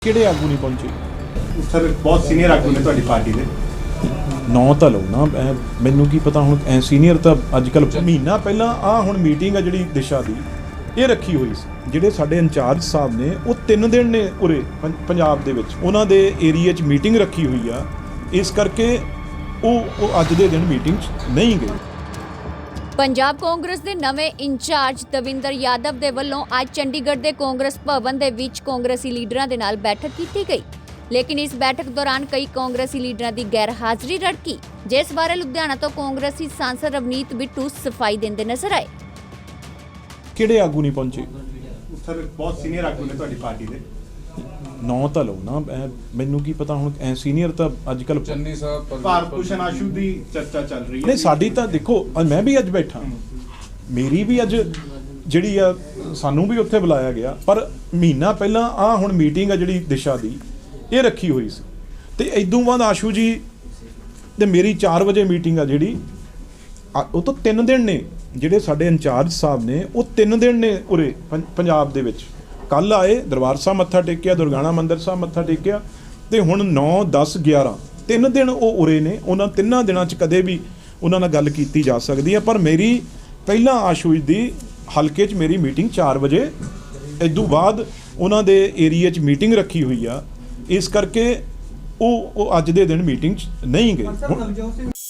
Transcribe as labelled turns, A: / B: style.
A: ਕਿਹੜੇ ਆਗੂ ਨਹੀਂ ਪਹੁੰਚੇ
B: ਸਰ ਬਹੁਤ ਸੀਨੀਅਰ ਆਗੂ ਨੇ ਤੁਹਾਡੀ ਪਾਰਟੀ ਦੇ।
A: ਨਾਂ ਤਾਂ ਲਓ ਨਾ, ਮੈਨੂੰ ਕੀ ਪਤਾ ਹੁਣ ਐ ਸੀਨੀਅਰ ਤਾਂ ਅੱਜ ਕੱਲ ਮਹੀਨਾ ਪਹਿਲਾਂ ਹੁਣ ਮੀਟਿੰਗ ਆ ਜਿਹੜੀ ਦਿਸ਼ਾ ਦੀ ਇਹ ਰੱਖੀ ਹੋਈ ਸੀ। ਜਿਹੜੇ ਸਾਡੇ ਇੰਚਾਰਜ ਸਾਹਿਬ ਨੇ ਉਹ 3 ਦਿਨ ਨੇ ਉਰੇ ਪੰਜਾਬ ਦੇ ਵਿੱਚ ਉਹਨਾਂ ਦੇ ਏਰੀਆ 'ਚ ਮੀਟਿੰਗ ਰੱਖੀ ਹੋਈ ਆ, ਇਸ ਕਰਕੇ ਉਹ ਅੱਜ ਦੇ ਦਿਨ ਮੀਟਿੰਗ 'ਚ ਨਹੀਂ ਗਏ।
C: ਪੰਜਾਬ ਕਾਂਗਰਸ ਦੇ ਨਵੇਂ ਇੰਚਾਰਜ ਦਵਿੰਦਰ ਯਾਦਵ ਦੇ ਵੱਲੋਂ ਅੱਜ ਚੰਡੀਗੜ੍ਹ ਦੇ ਕਾਂਗਰਸ ਭਵਨ ਦੇ ਵਿੱਚ ਕਾਂਗਰਸੀ ਲੀਡਰਾਂ ਦੇ ਨਾਲ ਬੈਠਕ ਕੀਤੀ ਗਈ, ਲੇਕਿਨ ਇਸ ਬੈਠਕ ਦੌਰਾਨ ਕਈ ਕਾਂਗਰਸੀ ਲੀਡਰਾਂ ਦੀ ਗੈਰ ਹਾਜ਼ਰੀ ਰੜਕੀ, ਜਿਸ ਬਾਰੇ ਲੁਧਿਆਣਾ ਤੋਂ ਕਾਂਗਰਸੀ ਸਾਂਸਦ ਰਵਨੀਤ ਬਿੱਟੂ ਸਫਾਈ ਦਿੰਦੇ ਨਜ਼ਰ ਆਏ।
A: ਕਿਹੜੇ ਆਗੂ ਨਹੀਂ ਪਹੁੰਚੇ
B: ਸਰ ਬਹੁਤ ਸੀਨੀਅਰ ਆਗੂ ਨੇ ਤੁਹਾਡੀ ਪਾਰਟੀ ਦੇ।
A: ਨਾਂ ਤਾਂ ਲਓ ਨਾ, ਮੈਨੂੰ ਕੀ ਪਤਾ ਹੁਣ ਐ ਸੀਨੀਅਰ ਤਾਂ ਅੱਜ ਕੱਲ
D: ਚੰਨੀ ਸਾਹਿਬ
B: ਭਾਰਤ ਭੂਸ਼ਣ ਆਸ਼ੂ ਦੀ ਚਰਚਾ ਚੱਲ ਰਹੀ ਹੈ।
A: ਨਹੀਂ, ਸਾਡੀ ਤਾਂ ਦੇਖੋ ਮੈਂ ਵੀ ਅੱਜ ਬੈਠਾ, ਮੇਰੀ ਵੀ ਅੱਜ ਜਿਹੜੀ ਆ ਸਾਨੂੰ ਵੀ ਉੱਥੇ ਬੁਲਾਇਆ ਗਿਆ, ਪਰ ਮਹੀਨਾ ਪਹਿਲਾਂ ਹੁਣ ਮੀਟਿੰਗ ਆ ਜਿਹੜੀ ਦਿਸ਼ਾ ਦੀ ਇਹ ਰੱਖੀ ਹੋਈ ਸੀ ਤੇ ਇਦੋਂ ਬਾਅਦ ਆਸ਼ੂ ਜੀ ਤੇ ਮੇਰੀ 4 ਵਜੇ ਮੀਟਿੰਗ ਆ ਜਿਹੜੀ ਉਹ ਤੋਂ 3 ਦਿਨ ਨੇ ਜਿਹੜੇ ਸਾਡੇ ਇੰਚਾਰਜ ਸਾਹਿਬ ਨੇ ਉਹ 3 ਦਿਨ ਨੇ ਉਰੇ ਪੰਜਾਬ ਦੇ ਵਿੱਚ। ਕੱਲ ਆਏ, ਦਰਬਾਰ ਸਾਹਿਬ ਮੱਥਾ ਟੇਕਿਆ, ਦੁਰਗਾਣਾ ਮੰਦਿਰ ਸਾਹਿਬ ਮੱਥਾ ਟੇਕਿਆ ਤੇ ਹੁਣ 9, 10, 11 3 ਦਿਨ ਉਹ ਉਰੇ ਨੇ। ਉਹਨਾਂ 3 ਦਿਨਾਂ 'ਚ ਕਦੇ ਵੀ ਉਹਨਾਂ ਨਾਲ ਗੱਲ ਕੀਤੀ ਜਾ ਸਕਦੀ ਹੈ, ਪਰ ਮੇਰੀ ਪਹਿਲਾਂ ਆਸ਼ੂ ਦੀ ਹਲਕੇ 'ਚ ਮੇਰੀ ਮੀਟਿੰਗ 4 ਵਜੇ, ਇਦੋਂ ਬਾਅਦ ਉਹਨਾਂ ਦੇ ਏਰੀਆ 'ਚ ਮੀਟਿੰਗ ਰੱਖੀ ਹੋਈ ਆ, ਇਸ ਕਰਕੇ ਉਹ ਅੱਜ ਦੇ ਦਿਨ ਮੀਟਿੰਗ 'ਚ ਨਹੀਂ ਗਏ।